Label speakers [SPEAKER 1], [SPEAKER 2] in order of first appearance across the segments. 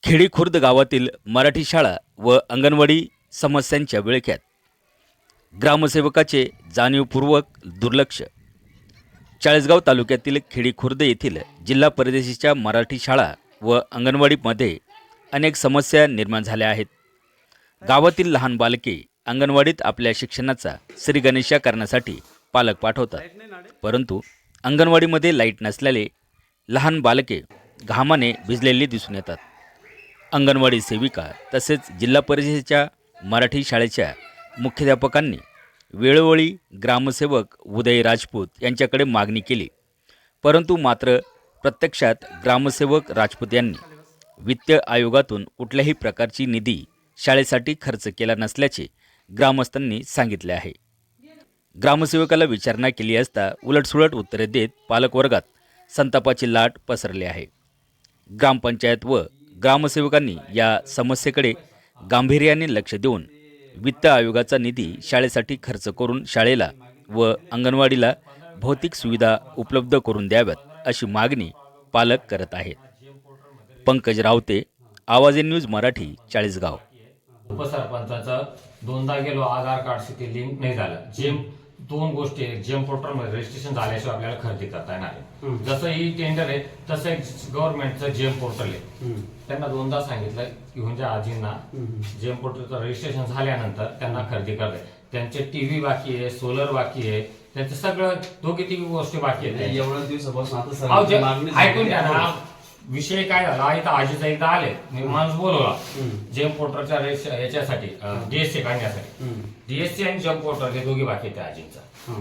[SPEAKER 1] खेडी खुर्द गावातील मराठी शाळा व अंगणवाडी समस्यांच्या विळख्यात, ग्रामसेवकाचे जाणीवपूर्वक दुर्लक्ष। चाळीसगाव तालुक्यातील खेडी खुर्द येथील जिल्हा परिषदेच्या मराठी शाळा व अंगणवाडीमध्ये अनेक समस्या निर्माण झाल्या आहेत। गावातील लहान बालके अंगणवाडीत आपल्या शिक्षणाचा श्रीगणेशा करण्यासाठी पालक पाठवतात, परंतु अंगणवाडीमध्ये लाईट नसल्याने लहान बालके घामाने भिजलेली दिसून येतात। अंगणवाडी सेविका तसेच जिल्हा परिषदेच्या मराठी शाळेच्या मुख्याध्यापकांनी वेळोवेळी ग्रामसेवक उदय राजपूत यांच्याकडे मागणी केली, परंतु मात्र प्रत्यक्षात ग्रामसेवक राजपूत यांनी वित्त आयोगातून कुठल्याही प्रकारची निधी शाळेसाठी खर्च केला नसल्याचे ग्रामस्थांनी सांगितले आहे। ग्रामसेवकाला विचारणा केली असता उलटसुलट उत्तरे देत पालकवर्गात संतापाची लाट पसरली आहे। ग्रामपंचायत व ग्रामसेवकांनी या समस्येकडे गांभीर्याने लक्ष देऊन वित्त आयोगाचा निधी शाळेसाठी खर्च करून शाळेला व अंगणवाडीला भौतिक सुविधा उपलब्ध करून द्याव्यात, अशी मागणी पालक करत आहेत। पंकज रावते, आवाज न्यूज मराठी, चाळीसगाव।
[SPEAKER 2] उपसरपंचाचं दोनदा गेलो, आधार कार्डशी ते लिंक नाही झालं। जेम दोन गोष्टी आहेत, जेम पोर्टलमध्ये रजिस्ट्रेशन झाल्याशिवाय आपल्याला खरेदी करता येणार आहे। जसं ही टेंडर आहे तसं एक गव्हर्नमेंटचं जेम पोर्टल आहे। त्यांना दोनदा सांगितलं घेऊन ज्या आजींना जेम पोर्टलचं रजिस्ट्रेशन झाल्यानंतर त्यांना खरेदी करता येईल। त्यांचे टीव्ही बाकी आहे, सोलर बाकी आहे, त्यांचं सगळं दोघी तिघी गोष्टी बाकी आहेत।
[SPEAKER 3] एवढ्या दिवसापासून
[SPEAKER 2] ऐकून घ्या ना, विषय काय झाला इथं आजीचा एकदा आले, मी माणूस बोलवला जेम पोर्टलच्या याच्यासाठी डीएससी काढण्यासाठी। डीएससी आणि जेम पोर्टल हे दोघी बाकी आहेत आजींचा,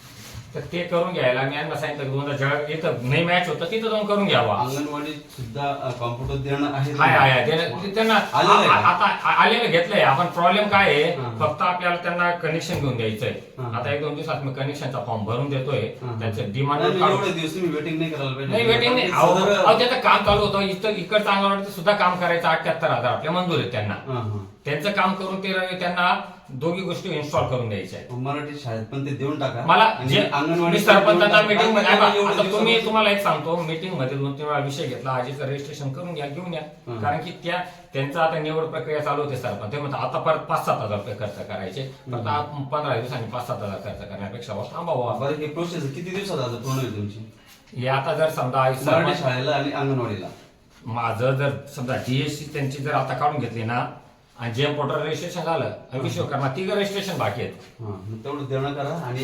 [SPEAKER 2] तर ते करून घ्यायला मी यांना सांगितलं दोनदा जळ इथं नाही मॅच होतं तिथं जाऊन करून घ्यावा।
[SPEAKER 3] अंगणवाडी सुद्धा कॉम्प्युटर देणं आहे,
[SPEAKER 2] त्यांना आता आलेलं घेतलंय आपण। प्रॉब्लेम काय आहे, फक्त आपल्याला त्यांना कनेक्शन घेऊन द्यायचंय। आता एक दोन दिवसात मी कनेक्शनचा फॉर्म भरून देतोय, त्यांचं डिमांड
[SPEAKER 3] एवढे दिवस तुम्ही वेटिंग नाही करायला पाहिजे।
[SPEAKER 2] नाही वेटिंग नाही, अहो त्याचं काम चालू होतं इकडचं अंगणवाडीचं सुद्धा काम करायचं। 78,000 आपल्या मंजूर आहेत त्यांना, त्यांचं काम करून ते त्यांना दोघी गोष्टी इन्स्टॉल करून द्यायच्या आहेत।
[SPEAKER 3] मराठी शाळेत पण ते देऊन टाका
[SPEAKER 2] मला जे
[SPEAKER 3] अंगणवाडी
[SPEAKER 2] सरपंचांना मीटिंग मध्ये तुम्हाला एक सांगतो, मीटिंग मध्ये 2-3 वेळा विषय घेतला, आजीचं रजिस्ट्रेशन करून घ्या, घेऊन या। कारण की त्यांचं आता निवड प्रक्रिया चालू होते सरपंच, ते म्हणतात आता परत 5-7 हजार रुपये खर्च करायचे, परत 15 दिवसांनी 5-7 हजार खर्च करण्यापेक्षा थांबावा।
[SPEAKER 3] बरं, ही प्रोसेस किती दिवसात आता पूर्ण होईल तुमची?
[SPEAKER 2] हे आता जर समजा
[SPEAKER 3] मराठी शाळेला आणि अंगणवाडीला
[SPEAKER 2] माझं जर समजा डीएससी त्यांची जर आता काढून घेतली ना आणि जेम पोर्टल रजिस्ट्रेशन झालं, विश्वकर्मा 3 रजिस्ट्रेशन बाकी आहेत,
[SPEAKER 3] तेवढं देणं करा। आणि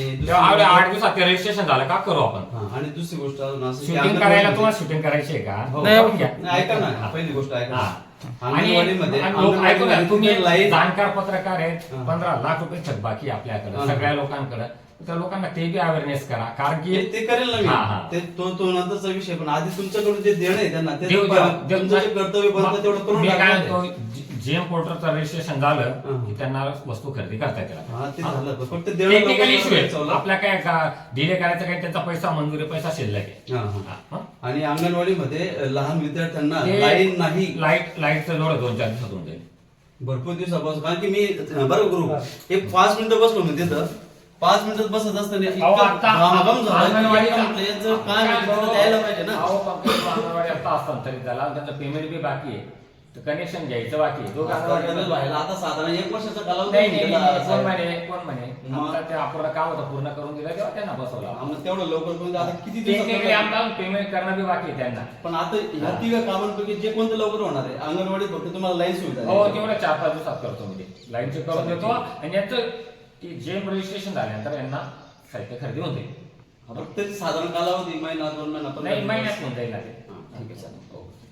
[SPEAKER 2] 8 दिवसात ते रजिस्ट्रेशन झालं का करू आपण।
[SPEAKER 3] आणि दुसरी गोष्ट
[SPEAKER 2] शूटिंग करायला तुम्हाला शूटिंग करायची आहे का?
[SPEAKER 3] ऐका ना, पहिली गोष्ट ऐका,
[SPEAKER 2] आणि तुम्ही जाणकार पत्रकार आहेत, 15 लाख रुपये थकबाकी आपल्याकडे सगळ्या लोकांकडे, त्या लोकांना ते बी अवेअरनेस करा, कारण की
[SPEAKER 3] ते करेल ना मी, तो नंतरचा विषय। पण आधी तुमच्याकडून जे देणं आहे त्यांना तुमचं कर्तव्य बनतं तेवढं करून टाका।
[SPEAKER 2] जेम पोर्टलचं रजिस्ट्रेशन झालं की त्यांना वस्तू खरेदी करता येते।
[SPEAKER 3] फक्त
[SPEAKER 2] टेक्निकल इश्यू आहे, आपल्या काय डिले करायचं काय, त्यांचा पैसा मंजुरी पैसा शिल्लक आहे।
[SPEAKER 3] आणि अंगणवाडीमध्ये लहान विद्यार्थ्यांना लाईट नाही,
[SPEAKER 2] लाईटचं लोड 2-4 दिवसात होऊन जाईल,
[SPEAKER 3] भरपूर दिवसापासून। कारण की मी बरं करू एक 5 मिनिटं बसलो मी तिथं, 5 मिनिटात बसत असताना द्यायला पाहिजे ना।
[SPEAKER 2] अंगणवाडी आता हस्तांतरित झाला, त्यांचं पेमेंट बी बाकी आहे, कनेक्शन घ्यायचं बाकी आहे।
[SPEAKER 3] आता साधारण 1 वर्षाचा कालावधी
[SPEAKER 2] कोण म्हणे ते आपलं काम होतं पूर्ण करून दिलं तेव्हा त्यांना बसवलं,
[SPEAKER 3] तेवढं लवकर करून आता किती
[SPEAKER 2] पेमेंट करणं बी बाकी आहे त्यांना।
[SPEAKER 3] पण आता ह्या 3 कामांपैकी जे कोणतं लवकर होणार आहे? अंगणवाडी फक्त तुम्हाला लाईन सुविधा,
[SPEAKER 2] हो तेवढं 4-5 दिवसात करतो मी, ते लाईनचे करून देतो। आणि यांचं जेम रजिस्ट्रेशन झाल्यानंतर यांना साहित्य खरेदी होते,
[SPEAKER 3] फक्त साधारण कालावधी महिना 2 महिना
[SPEAKER 2] नाही, महिन्यात होऊन जाईल ना ते।
[SPEAKER 3] ठीक आहे, चालेल।